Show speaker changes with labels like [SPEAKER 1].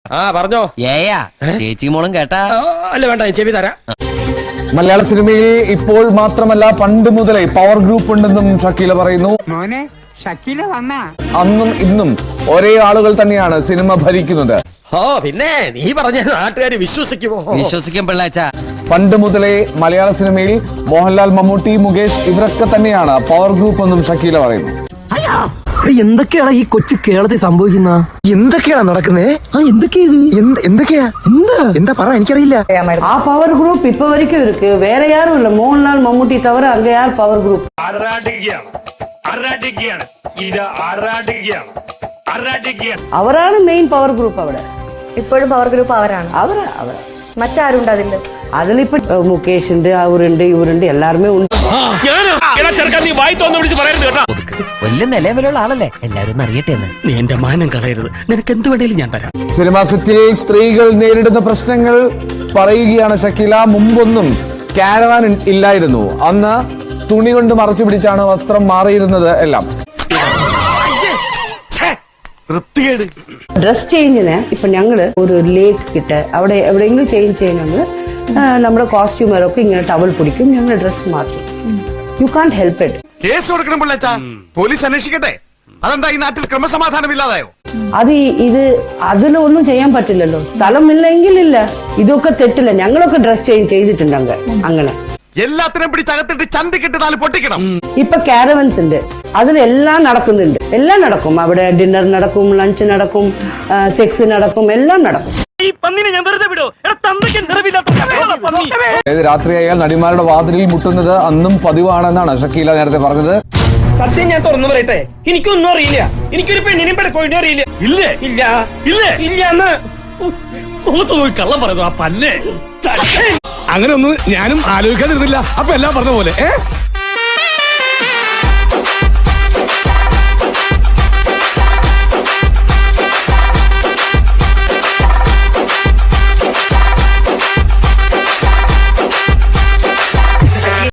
[SPEAKER 1] പറഞ്ഞോ.
[SPEAKER 2] ചേച്ചി മോളും കേട്ടാ?
[SPEAKER 1] അല്ല വേണ്ട, ചെവി തരാം.
[SPEAKER 3] മലയാള സിനിമയിൽ ഇപ്പോൾ മാത്രമല്ല പണ്ട് മുതലേ പവർ ഗ്രൂപ്പ് ഉണ്ടെന്നും ഷക്കീല പറയുന്നു. അന്നും ഇന്നും ഒരേ ആളുകൾ തന്നെയാണ് സിനിമ ഭരിക്കുന്നത്.
[SPEAKER 1] പിന്നെ നീ പറഞ്ഞ നാട്ടുകാര് വിശ്വസിക്കുമോ?
[SPEAKER 2] വിശ്വസിക്കും പിള്ളാച്ച.
[SPEAKER 3] പണ്ട് മുതലേ മലയാള സിനിമയിൽ മോഹൻലാൽ, മമ്മൂട്ടി, മുകേഷ് ഇവരൊക്കെ തന്നെയാണ് പവർ ഗ്രൂപ്പ് എന്നും ഷക്കീല പറയുന്നു.
[SPEAKER 4] എന്തൊക്കെയാണ് ഈ കൊച്ചു കേരളത്തിൽ സംഭവിക്കുന്ന? എന്തൊക്കെയാണ് നടക്കുന്നേ? എന്തൊക്കെയാ എന്താ പറ, എനിക്കറിയില്ല.
[SPEAKER 5] ആ പവർ ഗ്രൂപ്പ് ഇപ്പൊ വரைக்கும் இருக்கு. வேற யாரும் இல்ல. மோகன்லால், மம்முட்டி தவிர அங்க யார் பவர் குரூப்? അവരാണ് മെയിൻ പവർ ഗ്രൂപ്പ് അവിടെ.
[SPEAKER 6] ഇപ്പോഴും പവർ ഗ്രൂപ്പ് അവരാണ്. മറ്റാരുണ്ട് അതില്?
[SPEAKER 5] അതിലിപ്പോ മുകേഷ് ഉണ്ട്, അവരുണ്ട്, ഇവരുണ്ട്, എല്ലാരുമേ ഉണ്ട്.
[SPEAKER 2] വലിയ നിലവിലുള്ള ആളല്ലേ, എല്ലാരും അറിയട്ടെ.
[SPEAKER 1] നീ എന്റെ മാനം കളയരുത്, നിനക്ക് എന്ത് വേണേലും ഞാൻ തരാം.
[SPEAKER 3] സിനിമാ സെറ്റിൽ സ്ത്രീകൾ നേരിടുന്ന പ്രശ്നങ്ങൾ പറയുകയാണ് ഷക്കീല. മുമ്പൊന്നും കാരവാൻ ഇല്ലായിരുന്നു. അന്ന് തുണി കൊണ്ട് മറച്ചു പിടിച്ചാണ് വസ്ത്രം മാറിയിരുന്നത് എല്ലാം.
[SPEAKER 5] ഡ്രസ് ചേഞ്ചിന് ഇപ്പൊ ഞങ്ങള് ഒരു ലേക്ക് കിട്ട അവിടെ എവിടെയെങ്കിലും ചേഞ്ച് ചെയ്യണമെങ്കിൽ നമ്മുടെ കോസ്റ്റ്യൂമറൊക്കെ ഇങ്ങനെ ടവൽ പിടിക്കും, ഞങ്ങൾ ഡ്രസ് മാറ്റും. You can't help it.
[SPEAKER 7] Case കൊടുക്കണം പിള്ളേച്ചാ, പോലീസ് അന്വേഷിക്കട്ടെ. അതെന്താ ഈ നാട്ടിൽ ക്രമസമാധാനം ഇല്ലാതായോ?
[SPEAKER 5] ഇത് അതിലൊന്നും ചെയ്യാൻ പറ്റില്ലല്ലോ. സ്ഥലമില്ലെങ്കിൽ ഇല്ല. ഇതൊക്കെ തെറ്റില്ല. ഞങ്ങളൊക്കെ ഡ്രസ് ചേഞ്ച് ചെയ്തിട്ടുണ്ട് അങ്ങനെ.
[SPEAKER 7] എല്ലാത്തിനും പിടിച്ചകത്തിട്ട് ചന്തിക്കിട്ട് നാല് പൊട്ടിക്കണം.
[SPEAKER 5] ഇപ്പൊ കാരവൻസ് ഉണ്ട്, അതിലെല്ലാം നടക്കുന്നുണ്ട്. എല്ലാം നടക്കും അവിടെ. ഡിന്നർ നടക്കും, ലഞ്ച് നടക്കും, സെക്സ് നടക്കും, എല്ലാം നടക്കും.
[SPEAKER 3] രാത്രിയായാൽ നടിമാരുടെ വാതിലിൽ മുട്ടുന്നത് അന്നും പതിവാണെന്നാണ് ഷക്കീല നേരത്തെ പറഞ്ഞത്.
[SPEAKER 8] സത്യം ഞാൻ തുറന്നു പറയട്ടെ, എനിക്കൊന്നും അറിയില്ല. എനിക്കൊരു പെണ്ണിനെയും പെടക്കോഴിനും അറിയില്ല. ഇല്ലേ? ഇല്ല ഇല്ല ഇല്ല എന്ന്
[SPEAKER 1] കള്ളം പറയുന്നു ആ പന്നെ.
[SPEAKER 7] അങ്ങനെ ഒന്നും ഞാനും ആലോചിക്കാതിരുന്നില്ല. അപ്പൊ എല്ലാം പറഞ്ഞ പോലെ